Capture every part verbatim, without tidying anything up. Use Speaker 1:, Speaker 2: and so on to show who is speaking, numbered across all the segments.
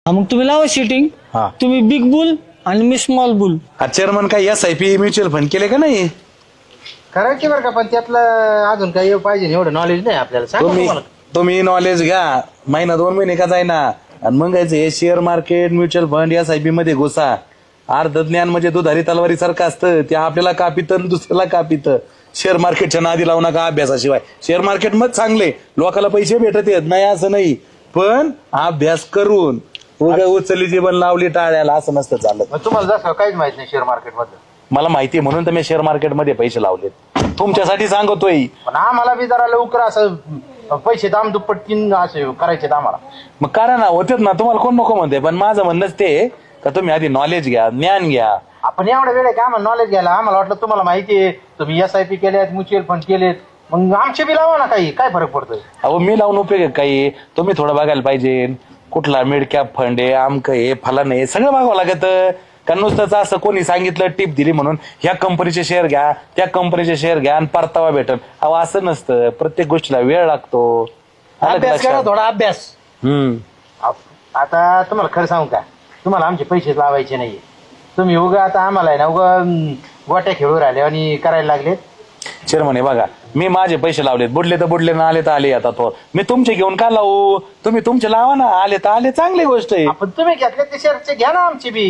Speaker 1: हा, मग तुम्ही लावा सिटिंग.
Speaker 2: हा.
Speaker 1: तुम्ही बिग बुल आणि मी स्मॉल बुल.
Speaker 2: चेअरमन काय S I P mutual fund केले का नाही?
Speaker 3: करायची बरं का, पण त्यातलं अजून काही पाहिजे एवढं नॉलेज नाही आपल्याला. सांगा
Speaker 2: तुम्ही
Speaker 3: तुम्हाला.
Speaker 2: तुम्ही नॉलेज घ्या, महिना दोन महिने का जाईना, आणि मग हे share market mutual fund S I P मध्ये घुसा. अर्ध ज्ञान म्हणजे दुधारी तलवारी सारखं असतं, ते आपल्याला कापित दुसऱ्याला कापित. शेअर मार्केटच्या नादी लावू नका अभ्यासाशिवाय. शेअर मार्केट मग चांगले, लोकांना पैसे भेटत येत नाही असं नाही, पण अभ्यास करून उगा उचलली जीवन लावली टाळ्याला असं नसतं चालत.
Speaker 3: मग तुम्हाला जसं काहीच माहित नाही शेअर मार्केट मध्ये.
Speaker 2: मला माहिती आहे म्हणून तर मी शेअर मार्केटमध्ये पैसे लावलेत, तुमच्यासाठी सांगतोय.
Speaker 3: पण आम्हाला बी जरा लवकर असं पैसे दाम दुप्पट तीन असे करायचे आम्हाला.
Speaker 2: मग करा ना, होतेच ना, तुम्हाला कोण नको म्हणते, पण माझं म्हणणंच ते का तुम्ही आधी नॉलेज घ्या, ज्ञान घ्या.
Speaker 3: आपण एवढा वेळ आहे का आम्हाला नॉलेज घ्यायला? आम्हाला वाटलं तुम्हाला माहिती आहे, तुम्ही एस आय पी केलेत, म्युच्युअल फंड केलेत, मग आमचे बी लावा ना, काही काय फरक पडतोय?
Speaker 2: अहो मी लावून उपयोग आहे काही? तुम्ही थोडं बघायला पाहिजे, कुठला मिड कॅप फंड आहे, आमक आहे, फलन आहे, सगळं बघावं लागत. का नुसतंच असं कोणी सांगितलं टिप दिली म्हणून ह्या कंपनीचे शेअर घ्या, त्या कंपनीचे शेअर घ्या आणि परतावा भेटल, अहो असं नसतं. प्रत्येक गोष्टीला वेळ लागतो. आलं का
Speaker 3: अभ्यास करा,
Speaker 2: लक्षात?
Speaker 3: थोडा अभ्यास.
Speaker 2: हम्म
Speaker 3: आप- आता तुम्हाला खरं सांगू का, तुम्हाला आमचे पैसे लावायचे नाहीये. तुम्ही उगा आता आम्हाला आहे ना उगा अं, गोट्या खेळू राहिले आणि करायला लागलेत.
Speaker 2: चेअरमन बघा, मी माझे पैसे लावलेत, बुडले तर बुडले ना, आले तर आले. आता तो मी तुमचे घेऊन का लावू? तुम्ही तुमचे लावा ना, आले तर आले, चांगली गोष्ट आहे.
Speaker 3: आपण तुम्ही घेतले ते शेअरचे घ्या ना आमची बी.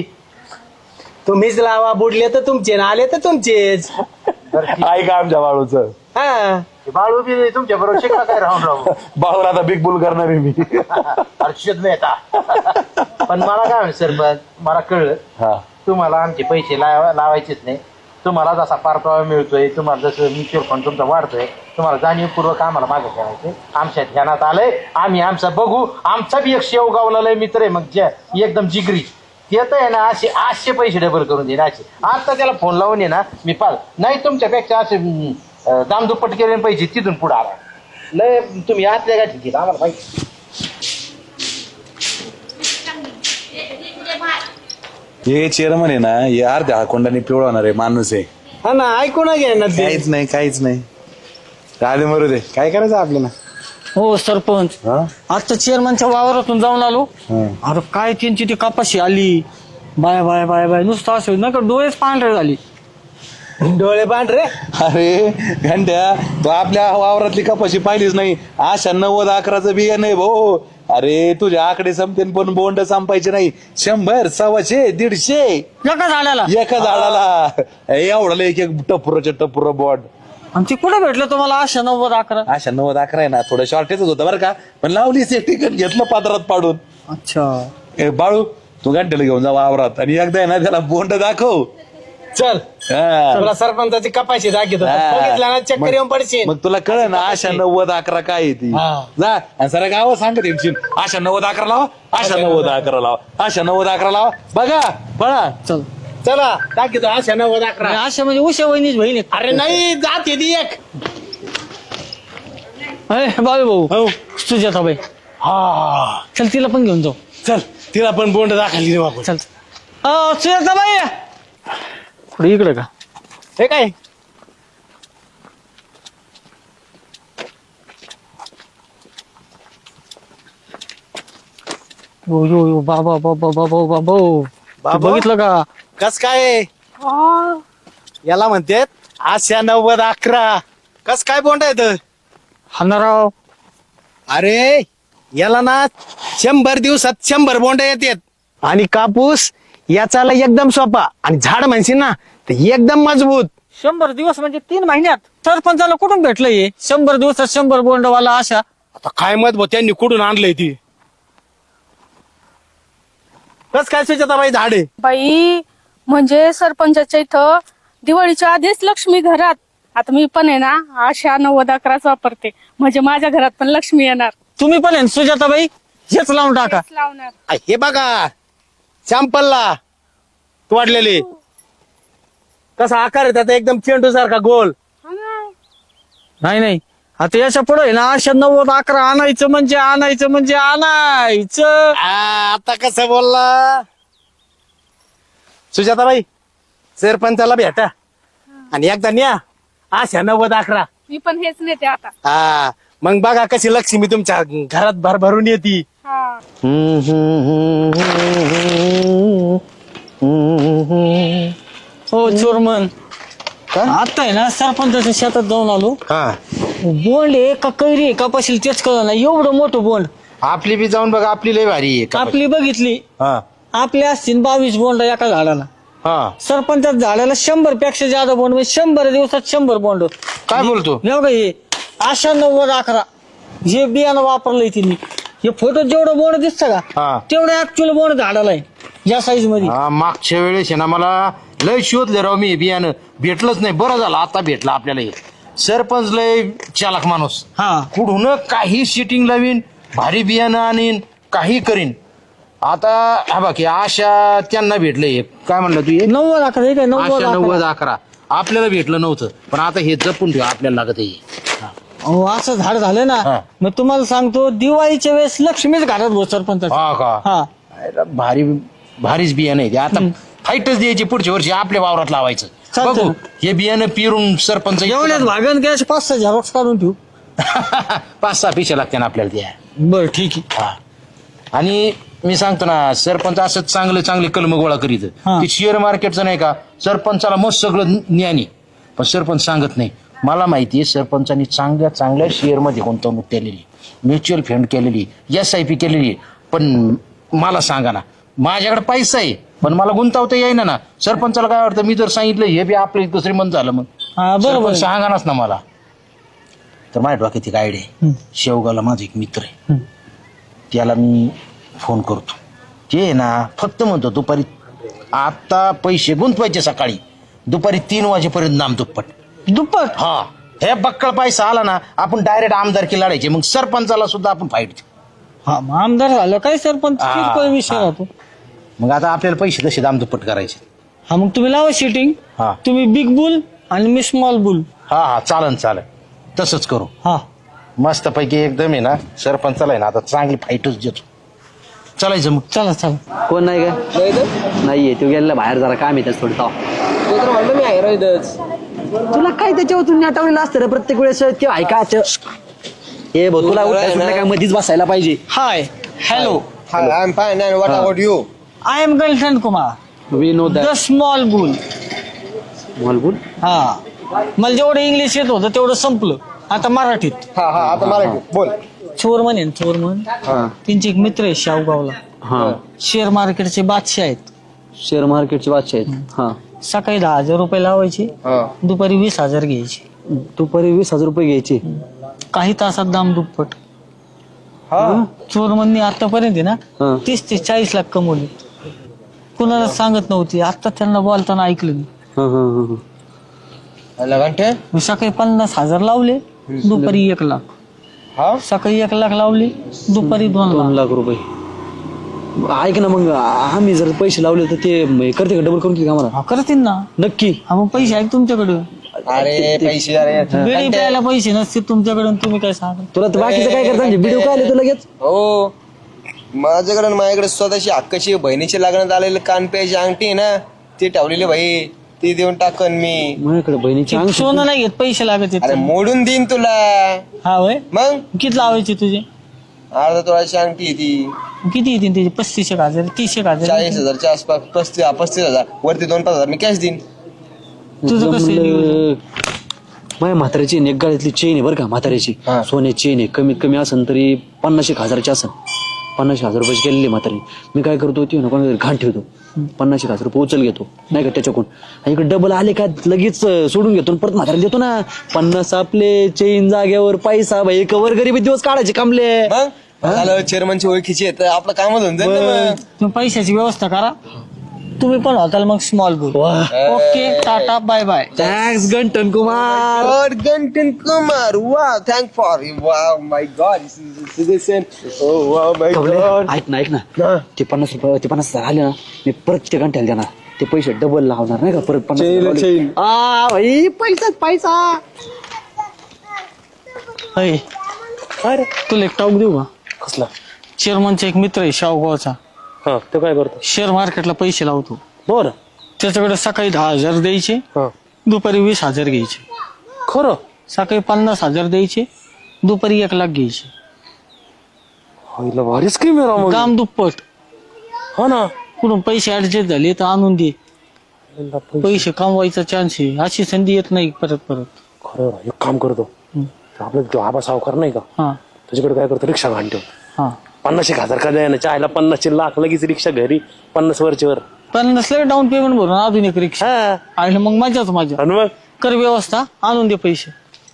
Speaker 4: तुम्हीच लावा, बुडले तर तुमचे ना आले तर तुमचेच.
Speaker 3: बरं ठीक.
Speaker 2: ऐका आमच्या बाळूचं.
Speaker 4: हा
Speaker 3: ते बाळू बी तुमच्या बरोबर शिकला काय राहून राहू.
Speaker 2: बाळूला आता बिग बुल करणार आहे मी.
Speaker 3: हर्षद मेहता. पण मला काय म्हणत सर, मला कळलं
Speaker 2: हा
Speaker 3: तुम्हाला आमचे पैसे लावा लावायचेच नाही. तुम्हाला जसा परतावा मिळतोय, तुम्हाला जसं म्युच्युअल फंड तुमचा वाढतोय, तुम्हाला जाणीवपूर्वक आम्हाला मागे ठेवायचे. आमच्या ध्यानात आलंय, आम्ही आमचं बघू. आमचा बी एक शेव गावला मित्र आहे, मग ज्या एकदम जिगरी येत आहे ना, असे आठशे पैसे डबल करून देईन असे. आता त्याला फोन लावून ये ना, मी पाल नाही तुमच्यापेक्षा असे अं, दामदुप्पट केले पैसे तिथून पुढे आला. लय तुम्ही आतल्या गाठी घेत आम्हाला माहिती.
Speaker 2: हे चेअरमन आहे ना, हे अर्ध्या कोंडाने पिवळवणार आहे माणूस आहे.
Speaker 4: हा ना, ऐकू ना घ्या ना ते.
Speaker 2: काहीच नाही, काहीच नाही. राधे मरू दे, काय करायचं आपल्याला?
Speaker 1: हो सरपंच,
Speaker 2: हा?
Speaker 1: आता चेअरमनच्या वावरातून जाऊन आलो.
Speaker 2: हा.
Speaker 1: अरे काय त्यांची ती कपाशी आली, बाय बाय बाय बाय, नुसतं असं नका डोळेच पांढरे झाली.
Speaker 4: डोळे पांढरे.
Speaker 2: अरे घंट्या, तो आपल्या वावरातली कपाशी पाहिलीच नाही. अशा नव्वद अकराचं बिया नाही भाऊ. अरे तुझे आकडे संपते पण बोंड संपायचे नाही. शंभर, सव्वाशे, दीडशे
Speaker 1: एका झाडाला.
Speaker 2: एका झाडाला. एवढं एक एक टपुराच्या टपुर बोट.
Speaker 1: आणि ते कुठे भेटलं तुम्हाला अशा नव्वद अकरा?
Speaker 2: अशा नव्वद अकरा आहे ना, थोडं शॉर्टेज होतं बरं का, पण लावली सेफ्टी घेतलं पात्रात पाडून.
Speaker 1: अच्छा,
Speaker 2: ए बाळू, तू घंट्याला घेऊन जा वावरात आणि एकदा आहे ना त्याला बोंड दाखव.
Speaker 4: चल
Speaker 2: हा.
Speaker 4: तुला सरपंचाची कपाशी दाखवतो,
Speaker 2: हा.
Speaker 4: बघितला ना चक्कर येऊन पडशील.
Speaker 2: मग तुला कळ ना अशा नव्वद अकरा काय आहे ती.
Speaker 4: हा.
Speaker 2: जा आणि सर गाव सांगत येशील, अशा नव्वद अकरा लावा, अशा नव्वद अकरा लावा, अशा नव्वद अकरा लावा. बघा पळा.
Speaker 1: चल.
Speaker 4: चला दाखवतो अशा नव्वद अकरा.
Speaker 1: आणि अशा म्हणजे उशा वहिनीच बहीण आहे.
Speaker 4: अरे नाही, जात येते एक.
Speaker 1: अरे बाबू भाऊ,
Speaker 4: हो
Speaker 1: सुजाता बाई,
Speaker 4: हा
Speaker 1: चल तिला पण घेऊन जाऊ.
Speaker 4: चल, तिला पण बोंड दाखवली देऊ आपण.
Speaker 1: चल अ, सुजाता बाई, पुढे इकडे का?
Speaker 4: हे काय
Speaker 1: यो यो यो बाबा बाबा बाबा बाबा
Speaker 4: बाबा?
Speaker 1: बघितलं का?
Speaker 4: कस काय याला म्हणतात आशा नव्वद अकरा. कस काय बोंड येत?
Speaker 1: हाणाराव.
Speaker 4: अरे याला ना शंभर दिवसात शंभर बोंड येतात. आणि कापूस याचाला एकदम सोपा, आणि झाड म्हणशील ना तर एकदम मजबूत.
Speaker 1: शंभर दिवस म्हणजे तीन महिन्यात. सरपंचाला कुठून भेटलं हे शंभर दिवसात शंभर बोंडवाला आशा?
Speaker 4: आता काय मत भाऊ, त्यांनी कुठून आणलंय ती? कस काय सुजाताबाई झाडे?
Speaker 5: बाई, म्हणजे सरपंचाच्या इथं दिवाळीच्या आधीच लक्ष्मी घरात. आता मी पण आहे ना आशा नव्वद अकराच वापरते, म्हणजे माझ्या घरात पण लक्ष्मी येणार.
Speaker 1: तुम्ही पण आहे ना, सुजाताबाई, हेच लावून टाका.
Speaker 5: तेच लावणार.
Speaker 4: आ, हे बघा सॅम्पलला तोडलेले. कसा आकार आहे त्याचा, एकदम चेंडू सारखा गोल.
Speaker 5: हा ना.
Speaker 1: नाही नाही, आता याच्या पुढे ना आशा नव्वद अकरा आणायचं म्हणजे आणायचं म्हणजे आणायचं.
Speaker 4: आ, आता कसं बोलला सुजाताबाई? सरपंचाला भेटा आणि एकदा न्या आशा नव्वद अकरा.
Speaker 5: मी पण हेच नेते आता.
Speaker 4: हा मग बघा कशी लक्ष्मी तुमच्या घरात भरभरून येते.
Speaker 5: हा.
Speaker 1: हो चोरमन आता आहे ना सरपंचाच्या शेतात जाऊन आलो.
Speaker 4: हा
Speaker 1: बोंड आहे का कैरी आहे का पाशील तेच कळलं नाही. एवढं मोठं बोंड
Speaker 3: आपली बी जाऊन बघा, आपली लय भारी आहे.
Speaker 1: आपली बघितली.
Speaker 3: हा
Speaker 1: आपल्या असतील बावीस बोंड एका झाडाला.
Speaker 3: हा
Speaker 1: सरपंचात झाडाला शंभर पेक्षा जादा बोंड म्हणजे शंभर दिवसात शंभर बोंड.
Speaker 3: काय बोलतो?
Speaker 1: बघा हे आशा नव्वद अकरा हे बियाणं वापरलंय तिने. हे फोटो जेवढं बोंड दिसतं
Speaker 3: हा.
Speaker 1: का तेवढं ऍक्च्युअल बोंड झाडाला आहे या साईज मध्ये.
Speaker 3: हा, मागच्या वेळेस आहे ना मला लय शोधले राव मी बियाणं, भेटलंच नाही. बरं झालं आता भेटलं आपल्याला हे. सरपंच लय चालक माणूस,
Speaker 1: हा
Speaker 3: कुठून काही सिटिंग लावीन, भारी बियाणं आणीन, काही करीन. आता हा बाकी आशा त्यांना भेटले हे. काय म्हणलं तू हे?
Speaker 1: नव्वद अकरा हे काय नव्वद
Speaker 3: आशा नव्वद
Speaker 1: अकरा.
Speaker 3: अकरा आपल्याला भेटलं नव्हतं, पण आता हे जपून ठेवा, आपल्याला लागत आहे.
Speaker 1: अहो, असं झाड झालं
Speaker 3: हा.
Speaker 1: ना. मग तुम्हाला सांगतो दिवाळीच्या वेळेस लक्ष्मीच घरात बस सरपंच.
Speaker 3: हा का?
Speaker 1: हा
Speaker 3: अरे, भारी भारीच बियाणं आहे ते. आता फाईटच द्यायची पुढच्या वर्षी आपल्या वावरात लावायचं.
Speaker 1: चालतंय.
Speaker 3: बघू हे बियाणं पिरून सरपंच
Speaker 1: एवढ्याच भागन गॅस पाच सहा झेरॉक्स काढून ठेवू.
Speaker 3: पाच सहा पिशा लागते ना आपल्याला त्या.
Speaker 1: बर ठीक आहे.
Speaker 3: हा. आणि मी सांगतो ना, सरपंच असं चांगले चांगले कलम गोळा करीत.
Speaker 1: हा.
Speaker 3: ते शेअर मार्केटचं नाही का, सरपंचाला मस्त सगळं ज्ञानी, पण सरपंच सांगत नाही. मला माहिती आहे सरपंचांनी चांगल्या चांगल्या शेअर मध्ये गुंतवणूक केलेली, म्युच्युअल फंड केलेली, एस आय पी केलेली. पण मला सांगा ना, माझ्याकडे पैसा आहे पण मला गुंतवता येईना ना. सरपंचाला काय वाटतं, मी जर सांगितलं हे बी आपलं इतकं श्रीमंत झालं, मग
Speaker 1: हा बरोबर
Speaker 3: सरपंच
Speaker 1: आहे.
Speaker 3: सांगानाच ना मला. तर माझ्या डोक्यात एक आयडिया आहे. शेवगावला माझा एक मित्र आहे, त्याला मी फोन करतो. ते आहे ना फक्त म्हणतो दुपारी आता पैसे गुंतवायचे, सकाळी दुपारी तीन वाजेपर्यंत नाम दुप्पट.
Speaker 1: दुप्पट.
Speaker 3: हा हे बक्कळ पैसा आला ना, आपण डायरेक्ट आमदारकी लढायचे. मग सरपंचाला सुद्धा आपण फाईट देऊ.
Speaker 1: हा मग आमदार झालं काय सरपंच
Speaker 3: हा,
Speaker 1: किरकोळ विषय
Speaker 3: हा.
Speaker 1: राहतो.
Speaker 3: मग आता आपल्याला पैसे तसे दाम दुप्पट करायचे.
Speaker 1: हा मग तुम्ही लावा शिटिंग.
Speaker 3: हा
Speaker 1: तुम्ही बिग बुल आणि मी स्मॉल बुल.
Speaker 3: हा हा चालन चालन, तसंच करू.
Speaker 1: हा
Speaker 3: मस्त पैकी एकदम आहे ना, सरपंचाला आहे ना आता चांगली फाईटच देतो. चालायचं मग.
Speaker 1: चला चला.
Speaker 6: कोण नाही का? नाहीये, तू गेलेला बाहेर जरा काम येतात थोडं.
Speaker 7: तो तर म्हणलं मी आहे रोहितच.
Speaker 6: तुला काय त्याच्यावरून आठवलेलं असतं रे प्रत्येक वेळेस ते ऐकायचं. ए भाऊ, तुला उठायला सुटलं काय मधीच बसायला पाहिजे.
Speaker 1: Hi hello
Speaker 7: Hi, I'm fine. And what about you?
Speaker 1: I am girlfriend Kumar
Speaker 6: we know
Speaker 1: the small bull.
Speaker 6: बोल.
Speaker 1: हा मला जेवढं इंग्लिश येत होतं तेवढं संपलं. आता मराठीत.
Speaker 7: हा हा आता मराठी बोल.
Speaker 1: चोरमन आहे ना, चोरमन. त्यांचे एक मित्र आहे शाहूगावला,
Speaker 6: हा
Speaker 1: शेअर मार्केटचे बादशाह आहेत.
Speaker 6: शेअर मार्केटचे बादशाह आहेत. हा
Speaker 1: सकाळी दहा हजार रुपये लावायचे,
Speaker 7: हा.
Speaker 1: दुपारी वीस हजार घ्यायचे.
Speaker 6: दुपारी वीस हजार रुपये घ्यायचे.
Speaker 1: काही तासात दाम दुप्पट.
Speaker 7: हा
Speaker 1: चोरमननी आतापर्यंत आहे
Speaker 6: हा.
Speaker 1: ना तीस ते चाळीस लाख कमवले. कुणाला सांगत नव्हती. आता त्यांना बोलताना ऐकलं मी.
Speaker 6: हा हा हा
Speaker 7: घंटे
Speaker 1: मी सकाळी पन्नास हजार लावले, दुपारी एक लाख.
Speaker 7: हा
Speaker 1: सकाळी एक लाख लावले, दुपारी दोन
Speaker 6: दोन
Speaker 1: लाख.
Speaker 6: लाख रुपये. ऐक ना, मग आम्ही जर पैसे लावले तर ते म- करते का? डबल करून की आम्हाला?
Speaker 1: हा करतील ना.
Speaker 6: नक्की.
Speaker 1: हा मग पैसे आहेत तुमच्याकडे.
Speaker 7: अरे पैसे अरे
Speaker 1: बिडी प्यायला पैसे नसते तुमच्याकडे, तुम्ही काय सांगा.
Speaker 6: तुला तर बाकीचं काय करता व्हिडिओ काय आले तू लगेच?
Speaker 7: हो माझ्याकडे माझ्याकडे स्वतःची हक्काची बहिणीची लग्नात आलेली कान प्यायची अंगठी आहे ना, ती ठेवलेली भाई, ती देऊन टाकन मी.
Speaker 6: माझ्याकडे बहिणीची अंग
Speaker 1: सोनं नाही घेत, पैसे लागत
Speaker 7: अरे
Speaker 1: आहेत.
Speaker 7: मोडून देईन तुला.
Speaker 1: हा वय
Speaker 7: मग
Speaker 1: किती लावायचे तुझे?
Speaker 7: अर्धा तोळाची अंगठी आहे ती.
Speaker 1: किती येतील त्याचे? पस्तीस एक हजार, तीस एक हजार.
Speaker 7: चाळीस हजारच्या आसपास. पस्तीस पस्तीस हजार वरती दोन पाच हजार मी कॅश देईन.
Speaker 1: तुझं कसं आहे नियोजन?
Speaker 6: माझ्या म्हाताऱ्याची एक गाड्यातली चेन आहे बरं का, म्हाताऱ्याची
Speaker 7: हा.
Speaker 6: सोन्याची चेन आहे. कमीत कमी असन तरी पन्नास एक हजाराची असन. पन्नास हजार रुपयाची गेलेली म्हातारी. मी काय करतो, ती ना कोणाकडे घाण ठेवतो, पन्नास एक हजार रुपये उचल घेतो नाही का त्याच्याकडून. आणि इकडे डबल आले का लगेच सोडून घेतो आणि परत म्हाताऱ्याला देतो ना. पन्नास आपले, चेन जाग्यावर, पैसा भाई, कवर गरीबी दिवस काढायचे कामले.
Speaker 7: मग झालं चेअरमनची ओळखीची आहे तर आपलं कामच होऊन जाईल ना मग.
Speaker 1: तुम्ही पैशाची व्यवस्था करा. तुम्ही पण होताल मग small bull. Okay tata bye bye.
Speaker 6: Thanks Gantin Kumar.
Speaker 7: God, Gantin Kumar. Wow, thank for it. Wow, my God, this is citizen. Oh, wow, my
Speaker 6: कवले,
Speaker 7: God.
Speaker 6: ऐक ना ऐक ना, ते पन्नास रुपये ते पन्नास हजार आले ना, मी परत ते घंट्याला देणार. ते पैसे डबल लावणार नाही का परत पन्नास
Speaker 7: चैन,
Speaker 6: हजार लावले.
Speaker 7: चैन.
Speaker 6: आ, भाई पैसाच पैसा.
Speaker 1: अय
Speaker 6: अरे
Speaker 1: तुला एक टाऊक देऊ का?
Speaker 6: कसला?
Speaker 1: चेअरमनचा एक मित्र आहे शाहूगावचा,
Speaker 6: हा तो काय करतो?
Speaker 1: शेअर मार्केटला पैसे लावतो.
Speaker 6: बरं.
Speaker 1: त्याच्याकडे सकाळी दहा हजार द्यायचे,
Speaker 6: हा
Speaker 1: दुपारी वीस हजार घ्यायचे.
Speaker 6: खरं?
Speaker 1: सकाळी पन्नास हजार द्यायचे, दुपारी एक लाख घ्यायची.
Speaker 2: हिला भारी स्कीम आहे राव मग.
Speaker 1: काम दुप्पट.
Speaker 2: हा ना.
Speaker 1: कुठून पैसे ऍडजस्ट झाले तर आणून दे. पैसे कमवायचा चान्स आहे. अशी संधी येत नाही परत परत.
Speaker 2: खरं एक काम करतो आपला जो आबा सावकार नाही का
Speaker 1: हा
Speaker 2: तुझ्याकडे काय करतो रिक्षा घाण ठेव.
Speaker 1: हा
Speaker 2: पन्नास एक हजार का द्यायला चायला पन्नासशे लाख लगेच रिक्षा घरी पन्नास वरच्या वर.
Speaker 1: पण नसलं डाऊन पेमेंट भरून अजून एक रिक्षा
Speaker 2: हा
Speaker 1: आणि मग मजाच मजा.
Speaker 2: आणि मग
Speaker 1: कर व्यवस्था आणून दे पैसे.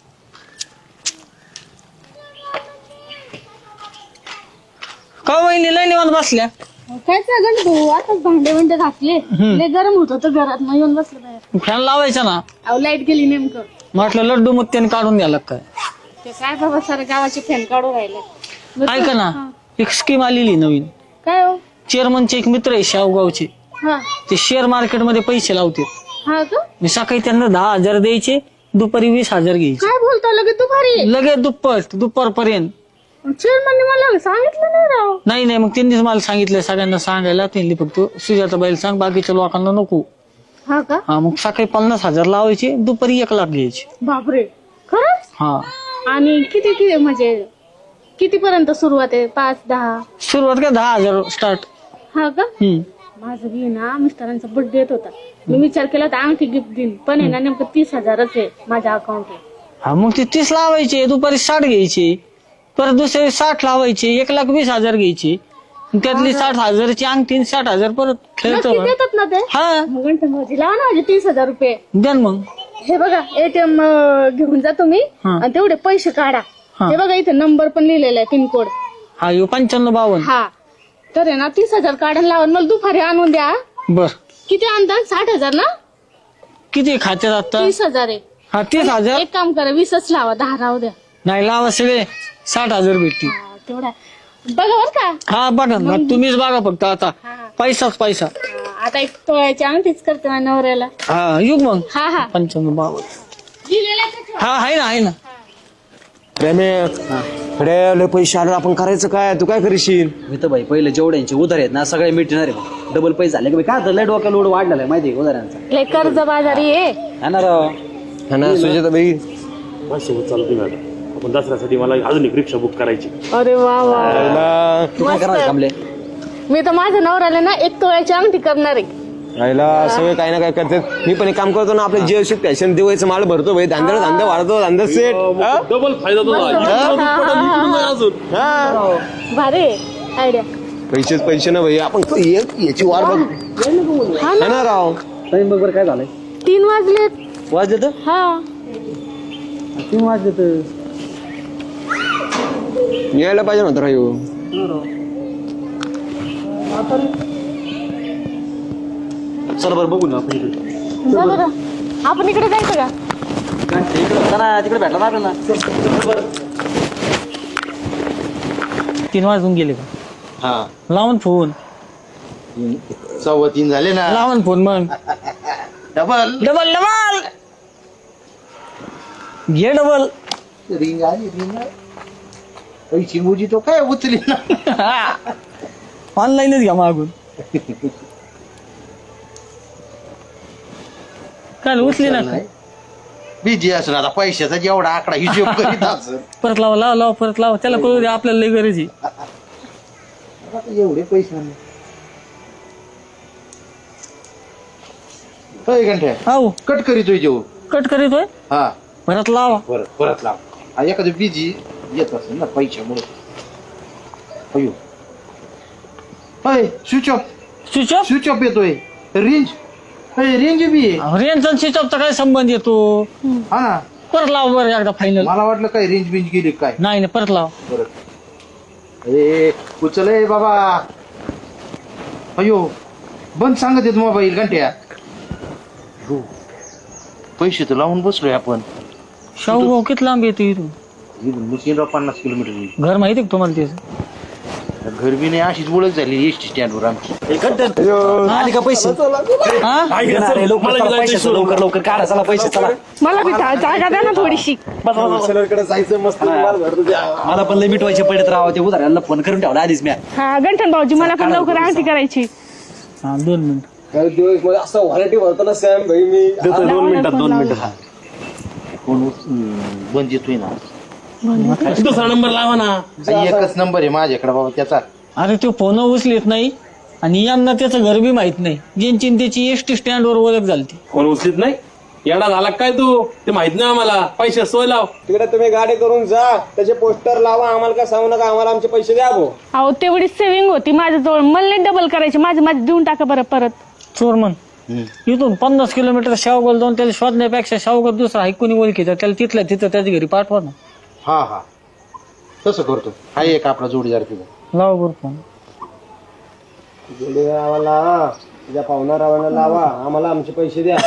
Speaker 1: का वहिनी लय निवांत बसल्या.
Speaker 5: काय चाललं भाऊ आता भांडे भांडे घासले लय गरम होत होतं घरात मग येऊन बसलं बाहेर.
Speaker 1: फॅन लावायचा ना.
Speaker 5: अहो लाईट गेली नेमकं.
Speaker 1: म्हटलं लड्डू मुत्याने काढून द्यायला काय.
Speaker 5: ते काय बाबा सारे गावाचे फॅन काढून राहिले.
Speaker 1: ऐका ना एक स्कीम आलेली नवीन.
Speaker 5: काय हो?
Speaker 1: चेअरमनचे एक मित्र आहे शावगावचे.
Speaker 5: हा
Speaker 1: ते शेअर मार्केट मध्ये पैसे लावते.
Speaker 5: हा का
Speaker 1: मी सकाळी त्यांना दहा हजार द्यायचे दुपारी वीस हजार घ्यायचे.
Speaker 5: काय बोलतो लगे तू भारी.
Speaker 1: लगेच दुप्पट दुपारपर्यंत.
Speaker 5: चेअरमनने मला सांगितलं नाही राव.
Speaker 1: नाही नाही मग त्यांनीच मला सांगितलं सगळ्यांना सांगायला. त्यांनी फक्त सुजाताबाईला सांग बाकीच्या लोकांना नको.
Speaker 5: हा का
Speaker 1: हा मग सकाळी पन्नास हजार लावायचे दुपारी एक लाख घ्यायचे.
Speaker 5: बापरे खरंच.
Speaker 1: हा
Speaker 5: आणि किती किती म्हणजे किती पर्यंत सुरुवात आहे? पाच दहा?
Speaker 1: सुरुवात काय दहा हजार स्टार्ट.
Speaker 5: हा का
Speaker 1: हम्म
Speaker 5: माझं बी ना मिस्टरांचा बर्थडे येत होता. मी विचार केला तर अंगठी गिफ्ट देईन पण आहे ना नेमकं तीस हजारच आहे माझ्या अकाउंटला.
Speaker 1: हा मग ते तीस लावायचे दुपारी साठ घ्यायचे. परत दुसरे साठ लावायचे एक लाख वीस हजार घ्यायचे. त्यातली साठ हजारची अंगठी साठ हजार परत खेळतो.
Speaker 5: नक्की देतात ना ते.
Speaker 1: हा
Speaker 5: मग गणपती भाऊजी लावा ना माझे तीस हजार रुपये.
Speaker 1: द्या ना मग.
Speaker 5: हे बघा एटीएम घेऊन जा तुम्ही
Speaker 1: हा.
Speaker 5: आणि तेवढे पैसे काढा.
Speaker 1: हा.
Speaker 5: हे बघा इथे नंबर पण लिहिलेला आहे पिनकोड.
Speaker 1: हा यो पंच्याण्णव बावन्न.
Speaker 5: हा तर आहे ना तीस हजार काढून लावा मला दुपारी आणून द्या.
Speaker 1: बर
Speaker 5: किती आणता? साठ हजार ना?
Speaker 1: किती खात्यात आता?
Speaker 5: तीस हजार आहे.
Speaker 1: हा तीस हजार.
Speaker 5: एक काम करा वीसच लावा दहा राहू द्या.
Speaker 1: नाही लावा सगळे साठ हजार भेटतील.
Speaker 5: हा, तेवढा बघा बर का.
Speaker 1: हा बघा ना तुम्हीच बघा फक्त आता
Speaker 5: हा.
Speaker 1: पैसाच पैसा.
Speaker 5: हा, आता एक तोळ्याची अंगठीच करते माझ्या नवऱ्याला.
Speaker 1: हा येऊ मग
Speaker 5: हा हा
Speaker 1: पंच्याण्णव बावन्न.
Speaker 5: लिहिलेलं आहे का?
Speaker 1: हा आहे ना आहे ना.
Speaker 7: कडे पैसे आले आपण करायचं काय? तू काय करशील?
Speaker 6: मी तर भाई पहिले जेवढ्यांचे उधार आहेत ना सगळे मिटणार आहे. डबल पैसे झाले की काय आता लय डोक्याला लोड वाढलेला आहे माहिती आहे उधारांचा.
Speaker 5: लय कर्ज बाजारी आहे.
Speaker 6: हा ना राव.
Speaker 7: हा ना सुजाता बाई.
Speaker 2: आपण दसऱ्यासाठी मला अजून एक रिक्षा बुक करायची.
Speaker 5: अरे वा वा
Speaker 6: तू काय करणार कामले?
Speaker 5: मी तर माझ्या नवऱ्याला ना एक तोळ्याची अंगठी करणार आहे.
Speaker 7: राहिला सगळे काही ना काय करतात. मी पण एक काम करतो ना आपल्या जीएसटी पॅशन दिवाळीचं माल भरतो भाई. धांदळ धांदा वाढतो धांदा सेट.
Speaker 2: डबल फायदा
Speaker 5: भारी आयडिया.
Speaker 7: पैसेच पैसे ना भाई. आपण क- ये- याची वाट बघ.
Speaker 5: हा
Speaker 7: हा ना राव.
Speaker 6: टाइम बघ बरं काय झालंय.
Speaker 5: तीन वाजलेत.
Speaker 6: वाजले तर
Speaker 5: हा
Speaker 6: तीन वाजले तर
Speaker 7: यायला पाहिजे नव्हतं राहू.
Speaker 6: चला बरं बघू ना आपण इकडे.
Speaker 5: जा बरं. आपण इकडे जायचं का?
Speaker 6: इकडे होता ना तिकडे भेटला ना आपल्याला.
Speaker 1: तीन वाजून गेले का?
Speaker 3: हा
Speaker 1: लावून फोन.
Speaker 3: सव्वा तीन झाले ना.
Speaker 1: लावून फोन मग.
Speaker 3: डबल
Speaker 1: डबल डबल घे डबल.
Speaker 3: रिंग आली रिंग आली. पैसे मुजी तो काय उचली ना.
Speaker 1: ऑनलाईनच घ्या मागून. काल उचले ना.
Speaker 3: बिझी असं आता पैशाचा जेवढा आकडा हिशोब करीत असं.
Speaker 1: परत लावा लावा लावा परत लावा. त्याला कळू द्या आपल्याला लई गरज आहे.
Speaker 3: आता एवढे पैसे आणले. होय घंटे
Speaker 1: हो
Speaker 3: कट करीतोय जेव.
Speaker 1: कट करीतोय.
Speaker 3: हा
Speaker 1: परत लावा.
Speaker 3: परत परत लाव. हा, एखादं बिझी येत असेल ना पैशामुळे. अयो होय switch off
Speaker 1: switch off.
Speaker 3: Switch off येतोय. रेंज होय रेंज बी आहे.
Speaker 1: रेंजचा स्विच ऑफचा काय संबंध येतो?
Speaker 3: हा ना.
Speaker 1: परत लावा बरं एकदा फायनल.
Speaker 3: मला वाटलं काय रेंज बिंज गेली काय.
Speaker 1: नाही नाही परत लावा.
Speaker 3: परत ए उचल ए बाबा. अयो बंद सांगत येत मोबाईल घंट्या. हो. पैसे तर लावून बसलोय आपण.
Speaker 1: शाहू भाऊ किती लांब येतो इथून?
Speaker 3: मुस्लिमराव पन्नास किलोमीटर.
Speaker 1: घर माहिती का तुम्हाला त्याचं?
Speaker 3: घर बी नाही अशीच ओळख झाली एस टी स्टँडवर आमची.
Speaker 6: आले का पैसे?
Speaker 1: हा?
Speaker 6: येणार आहे, लवकर चला, पैशाचं लवकर लवकर काढा चला पैसे चला.
Speaker 5: मला बी जा- जागा द्या ना थोडीशी.
Speaker 7: कडे जायचं मस्त.
Speaker 6: मला पण लय मिटवायचे पडत राहावं. ते उधाराला फोन करून ठेवला आधीच मी.
Speaker 5: हा गंठन भाऊजी मला पण लवकर आरती करायची.
Speaker 1: हा दोन मिनिट.
Speaker 7: काही दिवस मध्ये असं व्हरायटी भरतो ना सॅम भाई मी.
Speaker 2: दोन मिनिटात दोन मिनिटं.
Speaker 3: फोन उच- बंद येतोय ना.
Speaker 8: दुसरा नंबर लावा ना.
Speaker 3: एकच नंबर आहे माझ्याकडे बाबा त्याचा.
Speaker 1: अरे तो फोन उचलत नाही आणि यांना त्याचं घर बी माहित नाही. ज्यांची न त्याची एसटी स्टँडवर ओळख झाली.
Speaker 8: फोन उचलीत नाही. येडा झाला काय तू? ते माहित नाही आम्हाला. पैसे सोय लाव.
Speaker 4: तिकडे तुम्ही गाडी करून जा, त्याचे पोस्टर लावा, आम्हाला काय सांगू नका, आम्हाला आमचे पैसे द्या भाऊ.
Speaker 5: अहो तेवढी सेव्हिंग होती माझ्याजवळ, मला नाही डबल करायची. माझे माझे देऊन टाका बरं परत.
Speaker 1: चोरमन इथून पन्नास किलोमीटर शावगाव जाऊन त्याला शोधण्यापेक्षा शावगाव दुसरा ऐकून ओळखीचा त्याला तिथल्या तिथं त्याच्या घरी पाठवा ना.
Speaker 3: हा हा तसं करतो. हा एक आपला जोडीदार तिथं
Speaker 1: लावा बरं फोन.
Speaker 4: जोडीदाराला लावा, तुझ्या पाहुणारावांना लावा, आम्हाला आमचे पैसे द्या.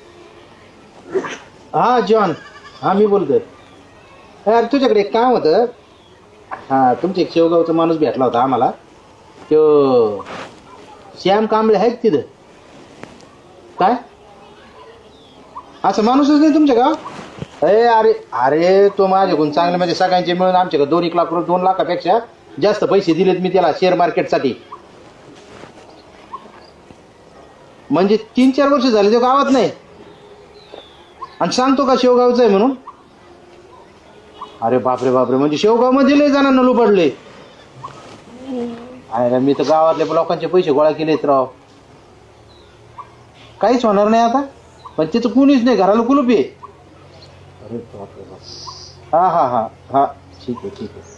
Speaker 3: हा जॉन, हा मी बोलतोय. यार तुझ्याकडे एक काम होतं. हा तुमच्या एक शेवगावचा माणूस भेटला होता आम्हाला. तो श्याम कांबळे आहेत तिथं. काय असं माणूसच नाही तुमच्या गाव? अरे अरे अरे तो माझ्याकडून चांगले म्हणजे सगळ्यांचे मिळून आमच्याकडे दोन एक लाख रुपये दोन लाखापेक्षा जास्त पैसे दिलेत मी त्याला शेअर मार्केटसाठी. म्हणजे तीन चार वर्ष झाले तो गावात नाही आणि सांगतो का शेवगावचं आहे म्हणून. अरे बापरे बापरे, म्हणजे शेवगाव मध्ये लय जणांना लुबडले. अरे मी तर गावातल्या लोकांचे पैसे गोळा केलेत राव. काहीच होणार नाही आता. पण तिथं कुणीच नाही, घराला कुलूप आहे. अरे बापरे बाप. हा हा हा हा ठीक आहे ठीक आहे.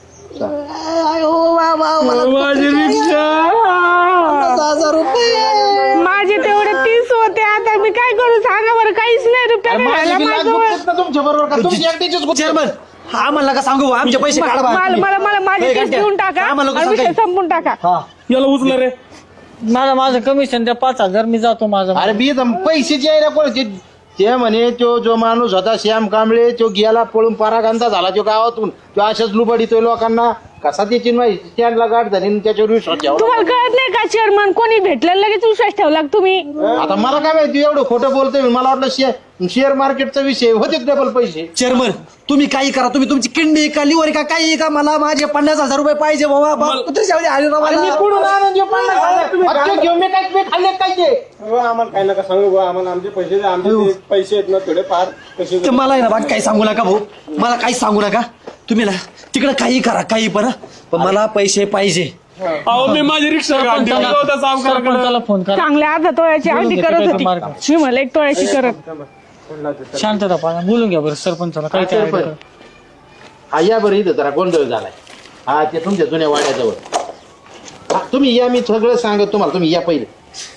Speaker 5: माझे तेवढे तीस होते, आता मी काय करू सांगा बरं. काहीच नाही रुपया नाही राहिला माझ्याजवळ.
Speaker 3: तुमच्या बरोबर का तुमची एकट्याचीच
Speaker 6: चेअरमन आम्हाला का सांगू आमचे पैसे काढा बा.
Speaker 5: मला मला मला माझे तीस देऊन टाका
Speaker 6: आम्हाला लोकं
Speaker 5: आणि विषय
Speaker 6: सांगायचे.
Speaker 5: संपून टाका.
Speaker 8: याला उचला रे.
Speaker 1: माझं माझं कमिशन द्या पाच हजार, मी जातो माझं.
Speaker 3: अरे बी पैशाची आहे ना कोणाचे. ते म्हणे तो जो माणूस होता श्याम कांबळे तो गेला पळून परागंदा झाला तो गावातून. तो अशाच लुबडितोय लोकांना. कसा त्याची माहिती स्टँडला गाठ झाली आणि त्याच्यावर विश्वास ठेवला.
Speaker 5: तुम्हाला कळत नाही का चेअरमन, कोणी भेटलं लगेच विश्वास ठेवला का तुम्ही?
Speaker 3: आता मला काय माहिती एवढं खोटं बोलतोय. मला वाटलं शेअर शेअर मार्केटचा विषय होते डबल पैसे.
Speaker 6: चेअरमन तुम्ही काही करा, तुम्ही तुमची किडनी का लिव्हर का काही का, मला माझे पन्नास हजार रुपये पाहिजे बाबा. बाप कुत्र्याच्या आली राव मला.
Speaker 3: मी कुठून आणून देऊ पन्नास हजार? अच्छा, घेऊन मी काय मी खाल्ले काय ते?
Speaker 4: हो, आम्हाला काय नका सांगू भाऊ, आम्हाला आमचे पैसे द्या. आमचे ते पैसे आहेत ना थोडे फार पैसे
Speaker 6: ते मला आहे ना बाकी काही सांगू नका भाऊ, मला काहीच सांगू नका. तुम्ही ना तिकडे काही करा काही पण, पण मला पैसे पाहिजे.
Speaker 8: अहो मी माझी रिक्षा काढली.
Speaker 1: सरपंचाला फोन करा.
Speaker 5: चांगल्या अर्धा तोळ्याची
Speaker 1: बोलून
Speaker 5: आधी
Speaker 1: घे,
Speaker 5: करत
Speaker 1: तिकडे
Speaker 5: होती,
Speaker 1: मार्ग.
Speaker 5: मी मला एक तोळ्याची करत.
Speaker 1: शांतता पाहा, बोलून घ्या बरं सरपंचाला. काय ते idea करा.
Speaker 3: हा या बरं इथं जरा गोंधळ झालाय. हा ते तुमच्या जुन्या वाड्याजवळ. हा, तुम्ही या, मी सगळं सांगत तुम्हाला. तुम्ही या पहिले.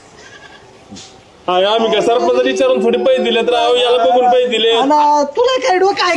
Speaker 8: आम्ही काय सरपंच विचारून थोडे पैसे दिले तर याला बघून पैसे दिले.
Speaker 6: तुला काय डोकं काय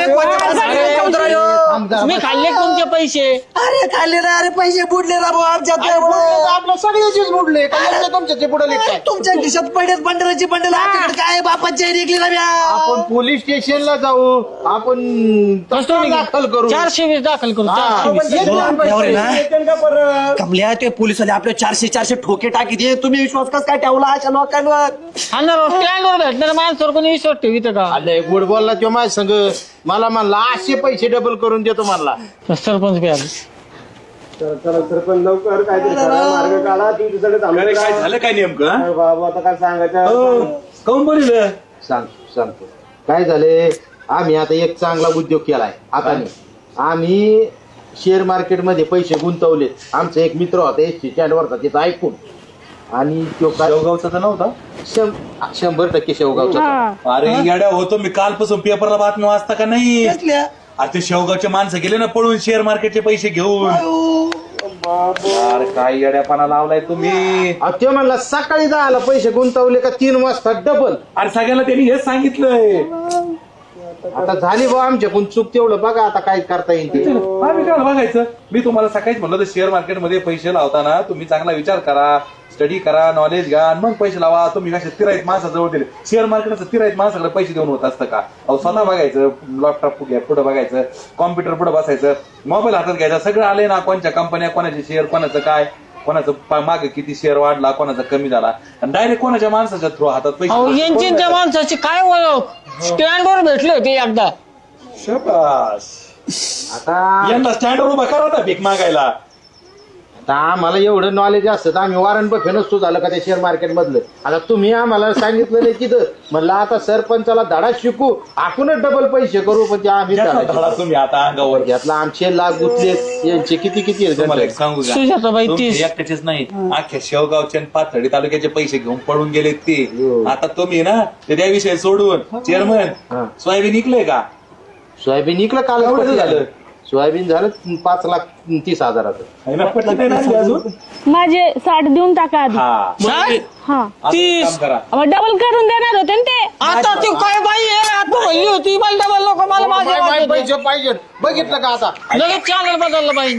Speaker 3: थांब जरा.
Speaker 1: मी खाल्ले तुमचे पैसे.
Speaker 6: अरे खाल्ले ना, अरे पैसे बुडले ना भाऊ आमच्या.
Speaker 3: आपलं सगळ्याचीच बुडले काय तुमच्या ते बुडले काय?
Speaker 6: तुमच्या खिशात पडलेत बंडलाची बंडल, आमच्याकडे काय बापाची निघली ना म्या.
Speaker 3: आपण पोलीस स्टेशनला जाऊ. आपण तक्रार दाखल करू.
Speaker 1: चारशे वीस दाखल करू.
Speaker 3: हा.
Speaker 1: चारशे वीस.
Speaker 6: यावर आहे ना, कमल्या ते पोलिसवाले आपले चारशे चारशे ठोके टाकी दे. तुम्ही विश्वास कस काय ठेवला अशा लोकांवर?
Speaker 1: स्टँडवर भेटणार माणसावर कोणी विश्वास ठेवित का?
Speaker 3: आले गुड बोलला तो माझ्या संग. मला म्हणला असे पैसे डबल करून देतो म्हणला.
Speaker 1: सरपंच बी आले.
Speaker 4: चला सरपंच लवकर काहीतरी करा, मार्ग काढा. तुमच्याकडे थांबले
Speaker 8: काय झालं काय नेमकं?
Speaker 4: बाबा आता काय सांगायचं.
Speaker 8: काऊन बोलिलं?
Speaker 3: सांग सांगतो काय झाले. आम्ही आता एक चांगला उद्योग केलाय आता. आम्ही शेअर मार्केट मध्ये पैसे गुंतवले. आमचा एक मित्र होता एस टी स्टँड वरचा, तिथं ऐकून. आणि तो काय
Speaker 8: शेवगावचा तर नव्हता.
Speaker 3: शं- शंभर टक्के शेवगावचा.
Speaker 5: हा.
Speaker 8: अरे येड्या होतो मी कालपासून पेपरला बातमी वाचता का नाही? अरे ते शेवगावचे माणसं गेले ना पळून शेअर मार्केटचे पैसे घेऊन. अरे काय येड्यापणा लावलाय तुम्ही.
Speaker 3: अहो, ते म्हणला सकाळी दहाला पैसे गुंतवले का तीन वाजता डबल.
Speaker 8: अरे सगळ्याला त्यांनी हेच सांगितलंय.
Speaker 3: आता झाली बा आमच्याकडून चूक. तेवढं बघा आता काय करता येईल ते.
Speaker 8: आम्ही काय बघायचं. मी तुम्हाला सकाळीच म्हणलं तर शेअर मार्केटमध्ये पैसे लावताना तुम्ही चांगला विचार करा, स्टडी करा, नॉलेज घ्या आणि मग पैसे लावा. तुम्ही कशा तिराईत माणसाजवळ दिले. शेअर मार्केटचं तिराईत माणसाकडे पैसे देऊन होत असतं का? अहो स्वतः बघायचं, लॅपटॉप पुढे बघायचं, कॉम्प्युटर पुढे बसायचं, मोबाईल हातात घ्यायचा. सगळं आलंय ना, कोणत्या कंपन्या, कोणाचे शेअर, कोणाचं काय, कोणाचं मागे किती शेअर वाढला, कोणाचा कमी झाला. आणि डायरेक्ट कोणाच्या माणसाच्या थ्रू हातात
Speaker 1: अहो
Speaker 8: पैसे.
Speaker 1: यांची त्या माणसाची काय ओळख. स्टँडवर भेटले होते एकदा.
Speaker 8: शाबास.
Speaker 3: आता
Speaker 8: यांना स्टँडवर उभा करा होता भीक मागायला.
Speaker 3: आता आम्हाला एवढं नॉलेज असतं तर आम्ही वॉरंट बफे नसतो झालं का त्या शेअर मार्केट मधलं. आता तुम्ही आम्हाला सांगितलं नाही तिथं म्हणलं आता सरपंचाला धडा शिकू आपणच डबल पैसे करू पण ते आम्ही धडा
Speaker 8: धडा
Speaker 3: शिकू.
Speaker 8: तुम्ही आता अंगावर
Speaker 3: घेतला आमचे लाख गुंतले यांचे किती किती आहेत
Speaker 8: तुम्हाला एक
Speaker 3: गंठन?
Speaker 8: सांगू का
Speaker 1: सुजाताबाई
Speaker 8: तुमचे
Speaker 1: तीस.
Speaker 8: एकट्याचेच नाही अख्ख्या शेवगावचे आणि पाथर्डी तालुक्याचे पैसे घेऊन पळून गेलेत ते.
Speaker 3: हो.
Speaker 8: आता तुम्ही ना ते त्या विषय सोडून चेअरमन सोयाबीन निघलंय का?
Speaker 3: सोयाबीन निघलं काल
Speaker 8: एवढं झालं?
Speaker 3: सोयाबीन झालं पाच लाख तीस हजाराचं.
Speaker 8: आहे ना, पटलं नाही ना अजून?
Speaker 5: माझे साठ देऊन टाका आधी.
Speaker 8: हा
Speaker 1: साठ?
Speaker 5: हा
Speaker 8: असं
Speaker 1: तीस.
Speaker 8: काम करा.
Speaker 5: डबल करून देणार होते ना ते.
Speaker 1: आता ती काय बाई आहे आता म्हणली होती मला डबल लोक मला माझे
Speaker 3: बाय- बाय
Speaker 1: वाटत होते.
Speaker 3: पैसे पाहिजे बघितलं का आता
Speaker 1: लगेच चॅनल बदललं बाई.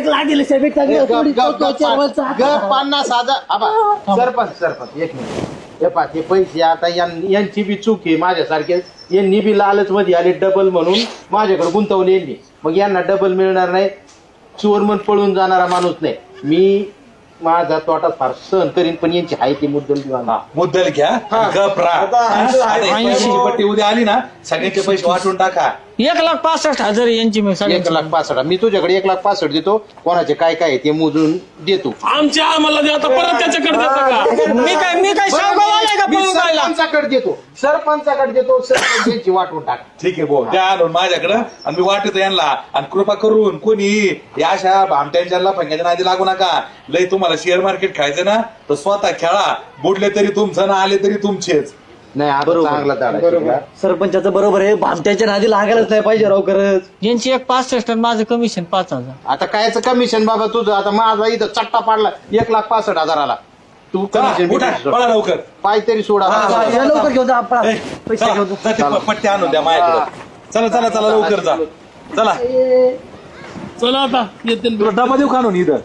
Speaker 3: गप पन्नास हजार आबा, सरपंच सरपंच एक मिनिट हे पा ते पैसे आता यां- यांची बी चूक आहे माझ्यासारखे यांनी बी लालच मध्ये आले डबल म्हणून माझ्याकडे गुंतवले यांनी मग यांना डबल मिळणार नाही चोर म्हणून पळून जाणारा माणूस नाही मी माझा तोटा फार सहन करीन पण यांची आहे ती मुद्दल दिवा
Speaker 8: हा, मुद्दल घ्या गप राहा. आता एक पैशाची पट्टी उद्या आली ना सगळ्यांचे पैसे वाटून टाका.
Speaker 1: एक लाख पासष्ट हजार आहे यांची मी
Speaker 3: एक
Speaker 1: सगळ्यांची.
Speaker 3: लाख पासष्ट मी तुझ्याकडे एक लाख पासष्ट देतो कोणाचे काय काय आहे ते मोजून देतो
Speaker 9: आमच्या आम्हाला द्या आता परत त्याच्याकडे देता का?
Speaker 1: मी काय मी काय शावगाव आलाय का
Speaker 3: मी
Speaker 1: पळून जायला?
Speaker 3: सरपंचाकडे देतो सरपंचाकडे देतो सरपंच यांची वाटून टाक
Speaker 8: ठीक आहे भाऊ द्या आणून माझ्याकडं आणि मी वाटतो यांना आणि कृपा करून कोणी या अशा भामट्यांच्या फंग्याच्या नादी लागू नका. लय तुम्हाला शेअर मार्केट खेळायचं ना तर स्वतः खेळा बुडले तरी तुमचं ना आले तरी तुमचेच.
Speaker 3: नाही आता चांगला दाडा शिकला.
Speaker 6: सरपंचाचं बरोबर आहे भामट्याच्या नादी लागायलाच नाही पाहिजे राव खरंच.
Speaker 1: यांची एक पासष्ट आणि माझं कमिशन पाच हजार.
Speaker 3: आता कायचं कमिशन बाबा तुझं आता माझा इथं चट्टा पाडला एक लाख पासष्ट हजाराला तू
Speaker 8: चला,
Speaker 3: कमिशन
Speaker 8: उठा, पळा लवकर.
Speaker 3: पाय तरी सोडा
Speaker 6: या लवकर घेऊन जा आपण
Speaker 8: ए, चला, जा ते प- पट्टी आणून द्या माझ्याकडे. चला चला चला लवकर जा चला.
Speaker 9: चला आता येतील.
Speaker 8: तुला डबा देऊ काढून इथं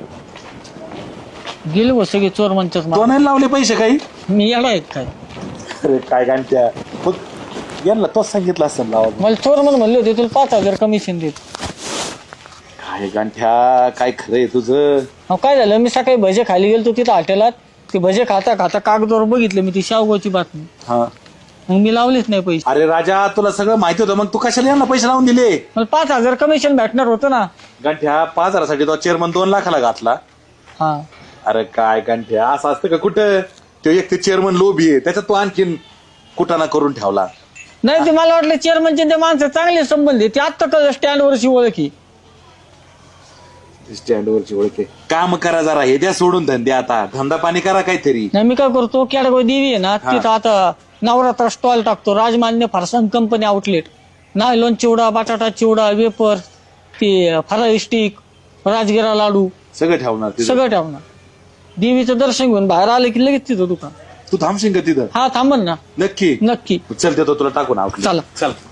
Speaker 1: गेले हो सगळे चोर म्हणतात
Speaker 8: तो नाही लावले पैसे काही.
Speaker 1: मी येडा आहेत काय
Speaker 8: अरे काय गांठ्या मग यांना तोच सांगितलं असतं लावा.
Speaker 1: मला चोर म्हणून म्हणले होते तुला पाच हजार कमिशन देत.
Speaker 8: काय गांठ्या काय खरंय तुझं.
Speaker 1: अहो काय झालं मी सकाळी भजे खाली गेलो तिथं हॉटेलात ते भजे खाता खाता कागदावर बघितलं मी ती शावगावची बातमी
Speaker 8: हा
Speaker 1: मग मी लावलेच नाही पैसे.
Speaker 8: अरे राजा तुला सगळं माहिती होतं मग तू कशाला यांना पैसे लावून दिले.
Speaker 1: मला पाच हजार कमिशन भेटणार होतं ना.
Speaker 8: गांठ्या पाच हजारासाठी तो चेअरमन दोन लाखाला घातला.
Speaker 1: हा
Speaker 8: अरे काय गांठ्या असं असतं का कुठं. तो एक ते चेअरमन लोभी आहे त्याच्यात तो आणखीन कुटाणा करून ठेवला.
Speaker 1: नाही ते मला वाटलं चेअरमनचे ते माणसं चांगले संबंध आहे ते आत्ता कळलं स्टँडवरची ओळखी.
Speaker 8: स्टँडवरची ओळखे काम करा जरा हे द्या सोडून धंदे आता धंदा पाणी करा काहीतरी.
Speaker 1: नाही मी काय करतो केडगाव देवी आहे ना तिथं आता नवरात्र स्टॉल टाकतो Rajmanya Farsan company outlet nylon chivda बटाटा चिवडा वेपर ते फराळी स्टिक राजगिरा लाडू
Speaker 8: सगळं ठेवणार तिथं.
Speaker 1: सगळं ठेवणार. देवीचं दर्शन घेऊन बाहेर आलं की लगेच तिथं दुकान.
Speaker 8: तू थांबशील का तिथं.
Speaker 1: हा थांबन ना
Speaker 8: नक्की
Speaker 1: नक्की
Speaker 8: चल देतो तुला टाकून आवडलं.
Speaker 1: चला.
Speaker 8: चल